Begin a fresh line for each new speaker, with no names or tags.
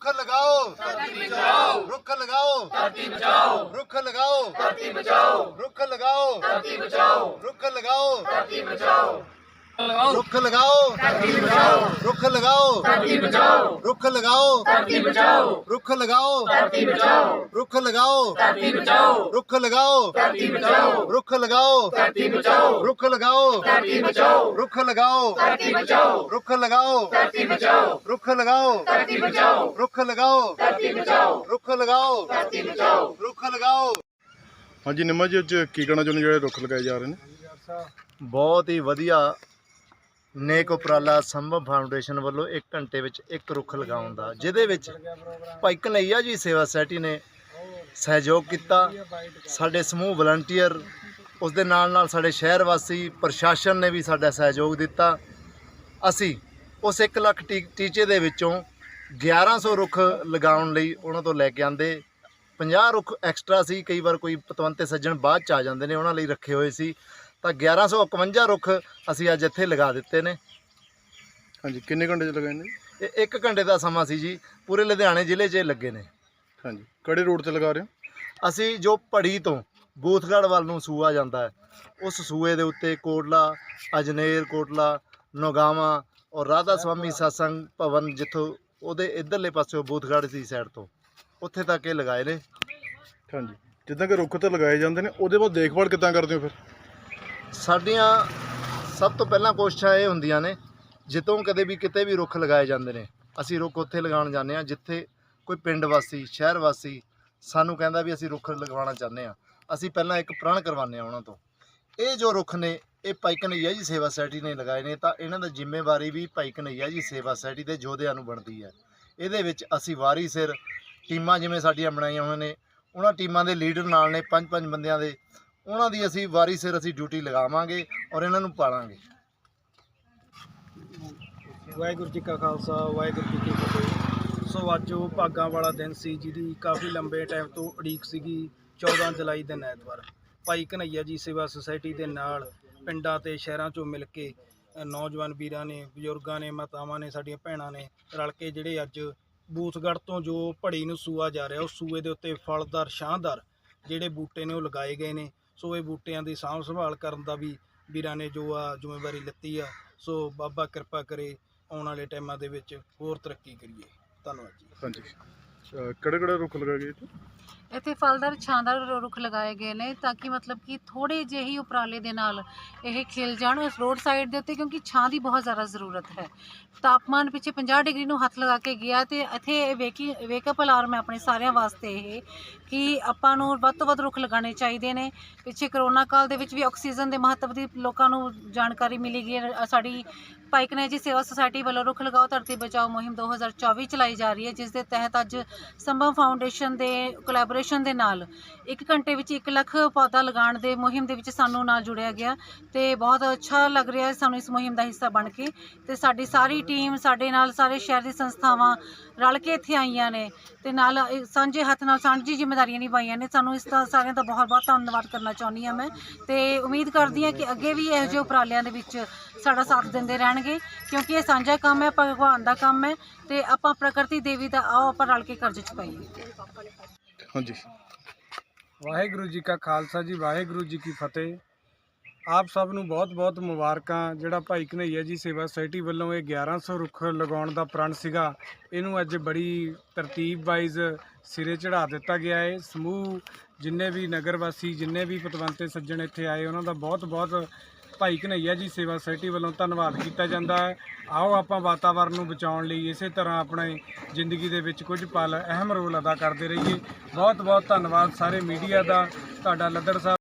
रुख लगाओ रुख लगाओ रुख लगाओ रुख लगाओ रुख लगाओ रुख लगाओ रुख लगाओ रुख लगाओ रुख लगाओ रुख लगाओ रुख लगाओ रुख लगाओ रुख लगाओ रुख लगाओ रुख लगाओ रुख लगाओ रुख लगाओ रुख लगाओ रुख लगाओ।
हाँ जी निम्मा जी, ਅੱਜ ਕੀ ਕਹਿਣਾ ਚਾਹੁੰਦੇ ਜਿਹੜੇ ਰੁੱਖ ਲਗਾਏ ਜਾ ਰਹੇ ਨੇ?
ਬਹੁਤ ਹੀ ਵਧੀਆ ਨੇਕ ਉਪਰਾਲਾ ਸੰਭਵ ਫਾਊਂਡੇਸ਼ਨ ਵੱਲੋਂ 1 ਘੰਟੇ ਵਿੱਚ 1 ਰੁੱਖ ਲਗਾਉਣ ਦਾ, ਜਿਹਦੇ ਵਿੱਚ ਭਾਈ ਕਨਈਆ ਜੀ ਸੇਵਾ ਸੁਸਾਇਟੀ ਨੇ ਸਹਿਯੋਗ ਕੀਤਾ। ਸਾਡੇ ਸਮੂਹ ਵਲੰਟੀਅਰ, ਉਸ ਦੇ ਨਾਲ ਸਾਡੇ ਸ਼ਹਿਰ ਵਾਸੀ, ਪ੍ਰਸ਼ਾਸਨ ਨੇ ਵੀ ਸਾਡਾ ਸਹਿਯੋਗ ਦਿੱਤਾ। ਅਸੀਂ ਉਸ 1 ਲੱਖ ਟੀਚੇ ਦੇ ਵਿੱਚੋਂ 1100 ਰੁੱਖ ਲਗਾਉਣ ਲਈ ਉਹਨਾਂ ਤੋਂ ਲੈ ਕੇ ਆਂਦੇ। 50 ਰੁੱਖ ਐਕਸਟਰਾ ਸੀ, ਕਈ ਵਾਰ ਕੋਈ ਪਤਵੰਤੇ ਸੱਜਣ ਬਾਅਦ 'ਚ ਆ ਜਾਂਦੇ ਨੇ, ਉਹਨਾਂ ਲਈ ਰੱਖੇ ਹੋਏ ਸੀ। ਤਾਂ 1151 ਰੁੱਖ ਅਸੀਂ ਅੱਜ ਇੱਥੇ ਲਗਾ ਦਿੱਤੇ ਨੇ।
ਹਾਂਜੀ, ਕਿੰਨੇ ਘੰਟੇ 'ਚ ਲਗਾਏ ਨੇ?
ਇਹ 1 ਘੰਟੇ ਦਾ ਸਮਾਂ ਸੀ ਜੀ। ਪੂਰੇ ਲੁਧਿਆਣੇ ਜ਼ਿਲ੍ਹੇ 'ਚ ਇਹ ਲੱਗੇ ਨੇ।
ਹਾਂਜੀ, ਕਿਹੜੇ ਰੋਡ 'ਤੇ ਲਗਾ ਰਹੇ ਹੋ?
ਅਸੀਂ ਜੋ ਭੜੀ ਤੋਂ ਬੂਥਗੜ੍ਹ ਵੱਲ ਨੂੰ ਸੂਆ ਜਾਂਦਾ ਹੈ, ਉਸ ਸੂਏ ਦੇ ਉੱਤੇ ਕੋਟਲਾ, ਅਜਨੇਰ ਕੋਟਲਾ, ਨੋਗਾਵਾਂ ਔਰ ਰਾਧਾ ਸਵਾਮੀ ਸਤਸੰਗ ਭਵਨ, ਜਿੱਥੋਂ ਉਹਦੇ ਇੱਧਰਲੇ ਪਾਸੇ ਬੂਥਗੜ੍ਹ ਦੀ ਸਾਈਡ ਤੋਂ ਉੱਥੇ ਤੱਕ ਇਹ ਲਗਾਏ ਨੇ।
ਹਾਂਜੀ, ਜਿੱਦਾਂ ਕਿ ਰੁੱਖ ਤਾਂ ਲਗਾਏ ਜਾਂਦੇ ਨੇ, ਉਹਦੇ ਬਾਅਦ ਦੇਖਭਾਲ ਕਿੱਦਾਂ ਕਰਦੇ ਹੋ ਫਿਰ?
ਸਾਡੀਆਂ ਸਭ ਤੋਂ ਪਹਿਲਾਂ ਕੋਸ਼ਿਸ਼ਾਂ ਇਹ ਹੁੰਦੀਆਂ ਨੇ, ਜਿੱਦੋਂ ਕਦੇ ਵੀ ਕਿਤੇ ਵੀ ਰੁੱਖ ਲਗਾਏ ਜਾਂਦੇ ਨੇ, ਅਸੀਂ ਰੁੱਖ ਉੱਥੇ ਲਗਾਉਣ ਜਾਂਦੇ ਹਾਂ ਜਿੱਥੇ ਕੋਈ ਪਿੰਡ ਵਾਸੀ, ਸ਼ਹਿਰ ਵਾਸੀ ਸਾਨੂੰ ਕਹਿੰਦਾ ਵੀ ਅਸੀਂ ਰੁੱਖ ਲਗਵਾਉਣਾ ਚਾਹੁੰਦੇ ਹਾਂ। ਅਸੀਂ ਪਹਿਲਾਂ ਇੱਕ ਪ੍ਰਣ ਕਰਵਾਉਂਦੇ ਹਾਂ ਉਹਨਾਂ ਤੋਂ। ਇਹ ਜੋ ਰੁੱਖ ਨੇ, ਇਹ ਭਾਈ ਕਨਈਆ ਜੀ ਸੇਵਾ ਸੁਸਾਇਟੀ ਨੇ ਲਗਾਏ ਨੇ, ਤਾਂ ਇਹਨਾਂ ਦੀ ਜ਼ਿੰਮੇਵਾਰੀ ਵੀ ਭਾਈ ਕਨਈਆ ਜੀ ਸੇਵਾ ਸੁਸਾਇਟੀ ਦੇ ਯੋਧਿਆਂ ਨੂੰ ਬਣਦੀ ਹੈ। ਇਹਦੇ ਵਿੱਚ ਅਸੀਂ ਵਾਰੀ ਸਿਰ ਟੀਮਾਂ ਜਿਵੇਂ ਸਾਡੀਆਂ ਬਣਾਈਆਂ ਹੋਈਆਂ ਨੇ, ਉਹਨਾਂ ਟੀਮਾਂ ਦੇ ਲੀਡਰ ਨਾਲ ਨੇ 5-5 ਬੰਦਿਆਂ ਦੇ, ਉਹਨਾਂ ਦੀ ਅਸੀਂ ਵਾਰੀ ਸਿਰ ਅਸੀਂ ਡਿਊਟੀ ਲਗਾਵਾਂਗੇ ਔਰ ਇਹਨਾਂ ਨੂੰ ਪਾਲਾਂਗੇ।
ਵਾਹਿਗੁਰੂ ਜੀ ਕਾ ਖਾਲਸਾ, ਵਾਹਿਗੁਰੂ ਜੀ ਕੀ ਫਤਿਹ। ਸੋ ਅੱਜ ਉਹ ਭਾਗਾਂ ਵਾਲਾ ਦਿਨ ਸੀ, ਜਿਹਦੀ ਕਾਫੀ ਲੰਬੇ ਟਾਈਮ ਤੋਂ ਉਡੀਕ ਸੀਗੀ। 14 ਜੁਲਾਈ ਦਿਨ ਐਤਵਾਰ ਭਾਈ ਕਨਈਆ ਜੀ ਸੇਵਾ ਸੁਸਾਇਟੀ ਦੇ ਨਾਲ ਪਿੰਡਾਂ ਤੇ ਸ਼ਹਿਰਾਂ 'ਚੋਂ ਮਿਲ ਕੇ ਨੌਜਵਾਨ ਵੀਰਾਂ ਨੇ, ਬਜ਼ੁਰਗਾਂ ਨੇ, ਮਾਤਾਵਾਂ ਨੇ, ਸਾਡੀਆਂ ਭੈਣਾਂ ਨੇ ਰਲ ਕੇ ਜਿਹੜੇ ਅੱਜ ਬੂਥਗੜ੍ਹ ਤੋਂ ਜੋ ਭੜੀ ਨੂੰ ਸੂਆ ਜਾ ਰਿਹਾ, ਉਸ ਸੂਏ ਦੇ ਉੱਤੇ ਫਲਦਾਰ, ਛਾਂਦਾਰ ਜਿਹੜੇ ਬੂਟੇ ਨੇ ਉਹ ਲਗਾਏ ਗਏ ਨੇ। ਸੋ ਇਹ ਬੂਟਿਆਂ ਦੀ ਸਾਂਭ ਸੰਭਾਲ ਕਰਨ ਦਾ ਵੀ ਵੀਰਾਂ ਨੇ ਜੋ ਆ ਜ਼ਿੰਮੇਵਾਰੀ ਲਿੱਤੀ ਆ। ਸੋ ਬਾਬਾ ਕਿਰਪਾ ਕਰੇ, ਆਉਣ ਵਾਲੇ ਟਾਈਮਾਂ ਦੇ ਵਿੱਚ ਹੋਰ ਤਰੱਕੀ ਕਰੀਏ। ਧੰਨਵਾਦ ਜੀ।
ਹਾਂਜੀ, ਕਿਹੜੇ ਰੁੱਖ ਲਗਾਏ ਗਏ ਇੱਥੇ?
ਇੱਥੇ ਫਲਦਾਰ, ਛਾਂਦਾਰ ਰੁੱਖ ਲਗਾਏ ਗਏ ਨੇ, ਤਾਂ ਕਿ ਮਤਲਬ ਕਿ ਥੋੜ੍ਹੇ ਜਿਹੇ ਹੀ ਉਪਰਾਲੇ ਦੇ ਨਾਲ ਇਹ ਖਿਲ ਜਾਣ ਉਸ ਰੋਡ ਸਾਈਡ ਦੇ ਉੱਤੇ, ਕਿਉਂਕਿ ਛਾਂ ਦੀ ਬਹੁਤ ਜ਼ਿਆਦਾ ਜ਼ਰੂਰਤ ਹੈ। ਤਾਪਮਾਨ ਪਿੱਛੇ 50 ਡਿਗਰੀ ਨੂੰ ਹੱਥ ਲਗਾ ਕੇ ਗਿਆ, ਅਤੇ ਇੱਥੇ ਵੇਕਅਪ ਅਲਾਰਮ ਹੈ ਆਪਣੇ ਸਾਰਿਆਂ ਵਾਸਤੇ ਇਹ, ਕਿ ਆਪਾਂ ਨੂੰ ਵੱਧ ਤੋਂ ਵੱਧ ਰੁੱਖ ਲਗਾਉਣੇ ਚਾਹੀਦੇ ਨੇ। ਪਿੱਛੇ ਕਰੋਨਾ ਕਾਲ ਦੇ ਵਿੱਚ ਵੀ ਆਕਸੀਜਨ ਦੇ ਮਹੱਤਵ ਦੀ ਲੋਕਾਂ ਨੂੰ ਜਾਣਕਾਰੀ ਮਿਲੀ ਗਈ ਹੈ। ਸਾਡੀ ਭਾਈ ਕਨਈਆ ਜੀ ਸੇਵਾ ਸੁਸਾਇਟੀ ਵੱਲੋਂ ਰੁੱਖ ਲਗਾਓ ਧਰਤੀ ਬਚਾਓ ਮੁਹਿੰਮ 2024 ਚਲਾਈ ਜਾ ਰਹੀ ਹੈ, ਜਿਸ ਦੇ ਤਹਿਤ ਅੱਜ ਸੰਭਵ ਫਾਊਂਡੇਸ਼ਨ ਦੇ ਕੋਲੈਬੋਰੇਸ਼ਨ ਦੇ ਨਾਲ 1 ਘੰਟੇ ਵਿੱਚ 1 ਲੱਖ ਪੌਦਾ ਲਗਾਉਣ ਦੇ ਮੁਹਿੰਮ ਦੇ ਵਿੱਚ ਸਾਨੂੰ ਨਾਲ ਜੁੜਿਆ ਗਿਆ, ਤੇ ਬਹੁਤ ਅੱਛਾ ਲੱਗ ਰਿਹਾ ਹੈ ਸਾਨੂੰ ਇਸ ਮੁਹਿੰਮ ਦਾ ਹਿੱਸਾ ਬਣ ਕੇ। ਤੇ ਸਾਡੀ ਸਾਰੀ ਟੀਮ, ਸਾਡੇ ਨਾਲ ਸਾਰੇ ਸ਼ਹਿਰ ਦੀ ਸੰਸਥਾਵਾਂ ਰਲ ਕੇ ਇੱਥੇ ਆਈਆਂ ਨੇ, ਤੇ ਨਾਲ ਸਾਂਝੇ ਹੱਥ ਨਾਲ ਸਾਂਝੀ ਜ਼ਿੰਮੇਵਾਰੀਆਂ ਨਿਭਾਈਆਂ ਨੇ। ਸਾਨੂੰ ਇਸ ਦਾ ਸਾਰਿਆਂ ਦਾ ਬਹੁਤ ਬਹੁਤ ਧੰਨਵਾਦ ਕਰਨਾ ਚਾਹੁੰਦੀ ਹਾਂ ਮੈਂ, ਤੇ ਉਮੀਦ ਕਰਦੀ ਹਾਂ ਕਿ ਅੱਗੇ ਵੀ ਇਹੋ ਜਿਹੇ ਉਪਰਾਲਿਆਂ ਦੇ ਵਿੱਚ ਸਾਡਾ ਸਾਥ ਦਿੰਦੇ ਰਹਿਣਗੇ, ਕਿਉਂਕਿ ਇਹ ਸਾਂਝਾ ਕੰਮ ਹੈ, ਭਗਵਾਨ ਦਾ ਕੰਮ ਹੈ, ਤੇ ਆਪਾਂ ਪ੍ਰਕਿਰਤੀ ਦੇਵੀ ਦਾ ਆਓ ਆਪਾਂ ਰਲ ਕੇ ਕਰਜ਼ ਚੁਕਾਈਏ।
ਹਾਂਜੀ,
ਵਾਹਿਗੁਰੂ ਜੀ ਕਾ ਖਾਲਸਾ ਜੀ, ਵਾਹਿਗੁਰੂ ਜੀ ਕੀ ਫਤਿਹ। ਆਪ ਸਭ ਨੂੰ ਬਹੁਤ ਬਹੁਤ ਮੁਬਾਰਕਾਂ। ਜਿਹੜਾ ਭਾਈ ਕਨਈਆ ਜੀ ਸੇਵਾ ਸੁਸਾਇਟੀ ਵੱਲੋਂ ਇਹ 1100 ਰੁੱਖ ਲਗਾਉਣ ਦਾ ਪ੍ਰਣ ਸੀਗਾ, ਇਹਨੂੰ ਅੱਜ ਬੜੀ ਤਰਤੀਬ ਵਾਈਜ਼ ਸਿਰੇ ਚੜ੍ਹਾ ਦਿੱਤਾ ਗਿਆ ਹੈ। ਸਮੂਹ ਜਿੰਨੇ ਵੀ ਨਗਰ ਵਾਸੀ, ਜਿੰਨੇ ਵੀ ਪਤਵੰਤੇ ਸੱਜਣ ਇੱਥੇ ਆਏ, ਉਹਨਾਂ ਦਾ ਬਹੁਤ ਬਹੁਤ ਭਾਈ ਕਨਈਆ ਜੀ ਸੇਵਾ ਸੁਸਾਇਟੀ ਵੱਲੋਂ ਧੰਨਵਾਦ ਕੀਤਾ ਜਾਂਦਾ ਹੈ। ਆਓ ਆਪਾਂ ਵਾਤਾਵਰਨ ਨੂੰ ਬਚਾਉਣ ਲਈ ਇਸੇ ਤਰ੍ਹਾਂ ਆਪਣੇ ਜ਼ਿੰਦਗੀ ਦੇ ਵਿੱਚ ਕੁਝ ਪਲ ਅਹਿਮ ਰੋਲ ਅਦਾ ਕਰਦੇ ਰਹੀਏ। ਬਹੁਤ ਬਹੁਤ ਧੰਨਵਾਦ ਸਾਰੇ ਮੀਡੀਆ ਦਾ, ਤੁਹਾਡਾ ਲੱਦੜ ਸਾਹਿਬ।